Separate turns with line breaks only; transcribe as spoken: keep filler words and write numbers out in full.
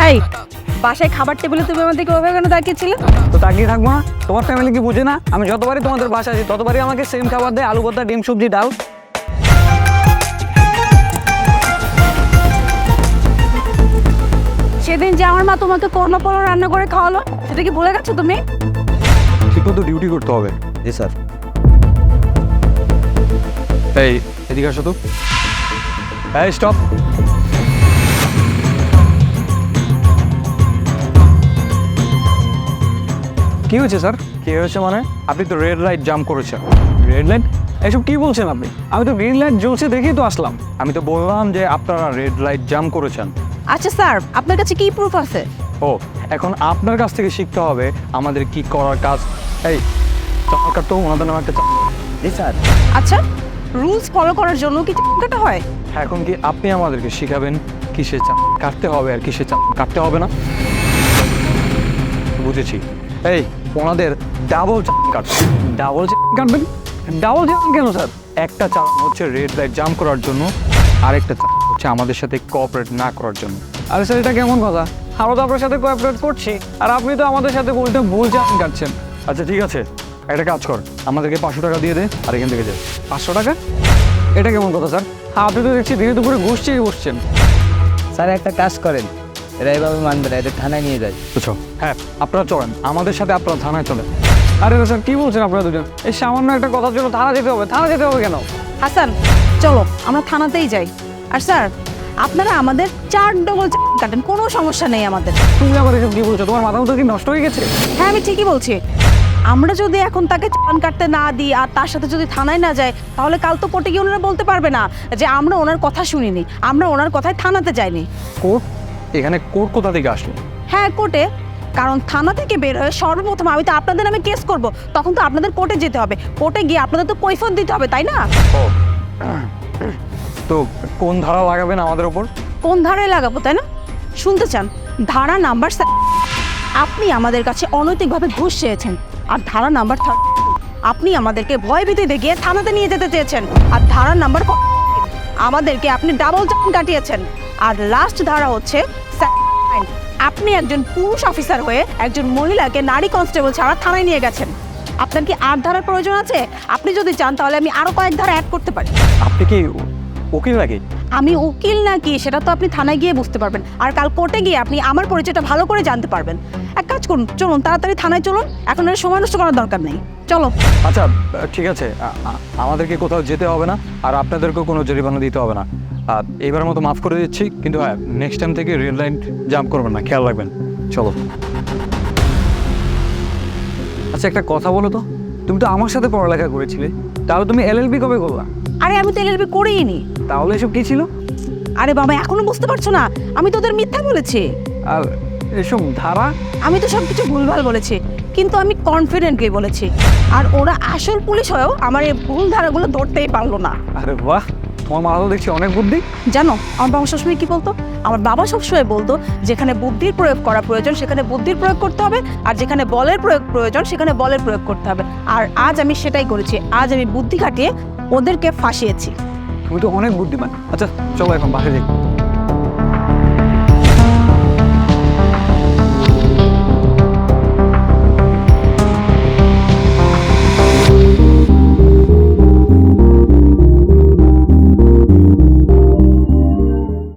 এই বাসায় খাবার টেবিলে তুমি আমাদেরকে ওভাবে কেন তাকিয়েছিলে?
তো তাকিয়ে থাকবো না? তোমার ফ্যামিলি কি বুঝে না? আমি যতবারই তোমাদের বাসায় আসি ততবারই আমাকে সেম খাবার দেয়, আলু ভর্তা, ডিম, সবজি, ডাল।
সেদিন যে আমার মা তোমাকে করলা পলো রান্না করে খাওয়ালো, সেটা কি ভুলে গেছো তুমি?
ঠিকমতো ডিউটি করতে হবে।
জি স্যার।
এই এদিকে আসো তো। এই স্টপ। কি হয়েছে স্যার? কি হয়েছে মানে? আপনি তো রেড লাইট জাম্প করেছেন। Red light? এসব কি বলছেন আপনি? আমি তো গ্রিন লাইট জ্বলছে দেখেই তো আসলাম। আমি তো বললাম যে আপনারা রেড লাইট জাম্প করেছেন।
আচ্ছা স্যার, আপনার কাছে কি প্রুফ আছে?
ও, এখন আপনার কাছ থেকে শিখতে হবে আমাদের কি করার কাজ। এই চাকার তো ওনাদের নামে একটা চা-
জি স্যার।
আচ্ছা, রুলস ফলো করার জন্য কি কাটা হয়?
এখন কি আপনি আমাদেরকে শিখাবেন কিসে চা কাটতে হবে আর কিসে চা কাটতে হবে না? বুঝেছি। এই ওনাদের ডাবল চা কাটবেন। ডাবল চা কাটবেন? ডাবল চা কেন স্যার? একটা চা হচ্ছে রেড লাইট জাম্প করার জন্য, আরেকটা চা হচ্ছে আমাদের সাথে কোঅপারেট না করার জন্য। আরে স্যার, এটা কেমন কথা? আমরা তো আপনার সাথে কোঅপারেট করছি, আর আপনি তো আমাদের সাথে উল্টো ভুল চা কাটছেন। আচ্ছা ঠিক আছে, একটা কাজ কর, আমাদেরকে পাঁচশো টাকা দিয়ে দে আর এখান থেকে যাই। পাঁচশো টাকা? এটা কেমন কথা স্যার? আপনি তো দেখছি ধীরে দুপুরে ঘুষ চেয়ে বসছেন।
স্যার একটা কাজ করেন, এরা এভাবে মানবে না, এদের থানায় নিয়ে যায়।
বুঝছো? হ্যাঁ, আপনারা চলেন আমাদের সাথে, আপনারা থানায় চলেন। আরে স্যার, কি বলছেন আপনারা দুজন? এই সামান্য একটা কথার জন্য থানা যেতে হবে? থানা যেতে হবে কেন?
হাসান, চলো আমরা থানাতেই যাই। আর স্যার, আপনারা আমাদের চার ডবল কাটেন, কোনো সমস্যা নেই আমাদের।
তুমি আবার এসব কি বলছো? তোমার মাথা মতো কি নষ্ট হয়ে গেছে?
হ্যাঁ, আমি ঠিকই বলছি। আমরা যদি এখন তাকে চালান কাটতে না দিই আর তার সাথে যদি থানায় না যাই, তাহলে কাল তো কোর্টে গিয়ে ওনারা বলতে পারবে না যে আমরা ওনার কথা শুনিনি, আমরা ওনার কথায় থানাতে যাইনি।
কোর্ট? এখানে কোর্ট কোথা থেকে আসলো?
হ্যাঁ, কোর্টে। কারণ থানা থেকে বের হয়ে সর্বপ্রথম আমি তো আপনাদের নামে কেস করব, তখন তো আপনাদের কোর্টে যেতে হবে। কোর্টে গিয়ে আপনাদের তো কৈফিয়ত দিতে হবে, তাই না?
ও, তো কোন ধারা লাগাবেন আমাদের ওপর?
কোন ধারায় লাগাবো, তাই না? শুনতে চান? ধারা নাম্বার স্যার, আপনি আমাদের কাছে অনৈতিকভাবে ঘুষ চেয়েছেন। আর ধারা নাম্বার থার্ড, আপনি আমাদেরকে ভয়ভীতি দেখিয়ে থানাতে নিয়ে যেতে চেয়েছেন। আর ধারা নাম্বার ফোর, আমাদেরকে আপনি ডাবল চালান কাটিয়েছেন। আর লাস্ট ধারা হচ্ছে স্যার, আপনি একজন পুরুষ অফিসার হয়ে একজন মহিলাকে নারী কনস্টেবল ছাড়া থানায় নিয়ে গেছেন। আপনার কি আর ধারার প্রয়োজন আছে? আপনি যদি চান তাহলে আমি আরো কয়েক ধারা অ্যাড করতে পারি।
আপনি কি উকিল নাকি?
আমি উকিল নাকি সেটা তো আপনি থানায় গিয়ে বুঝতে পারবেন, আর কাল কোর্টে গিয়ে আপনি আমার পরিচয়টা ভালো করে জানতে পারবেন। এক কাজ করুন, চলুন তাড়াতাড়ি থানায় চলুন, এখন আর সময় নষ্ট করার দরকার নেই। চলো।
আচ্ছা ঠিক আছে, আ- আ- আমাদেরকে কোথাও যেতে হবে না, আর আপনাদেরকেও কোনো জরিমানা দিতে হবে না। আর এইবারের মতো মাফ করে দিচ্ছি, কিন্তু হ্যাঁ, নেক্সট টাইম থেকে রেড লাইন জাম্প করবেন না, খেয়াল রাখবেন। চলো। আচ্ছা একটা কথা বলো তো, তুমি তো আমার সাথে পড়ালেখা করেছিলে, তাহলে তুমি এলএলবি কবে করলা?
আরে আমি তো এলএলবি করেই নি।
তাহলে এসব কি ছিল?
আরে বাবা, এখনো বুঝতে পারছো না? আমি তোদের মিথ্যা বলেছি।
আর এসব ধারা?
আমি তো সব কিছু ভুলভাল বলেছি, কিন্তু আমি কনফিডেন্টলি বলেছি। আর ওরা আসল পুলিশ হয়েও আমার এই ভুল ধারাগুলো ধরতেই পারলো না।
আরে বাহ, তোমার মা তো দেখছি অনেক বুদ্ধি।
জানো আমার বাবা সবসময় কি বলতো? আমার বাবা সবসময় বলতো, যেখানে বুদ্ধির প্রয়োগ করা প্রয়োজন সেখানে বুদ্ধির প্রয়োগ করতে হবে, আর যেখানে বলের প্রয়োগ প্রয়োজন সেখানে বলের প্রয়োগ করতে হবে। আর আজ আমি সেটাই করেছি। আজ আমি বুদ্ধি খাটিয়ে ওদেরকে ফাঁসিয়েছি।
তুমি তো অনেক বুদ্ধিমান। আচ্ছা চলো এখন বাসে যাই।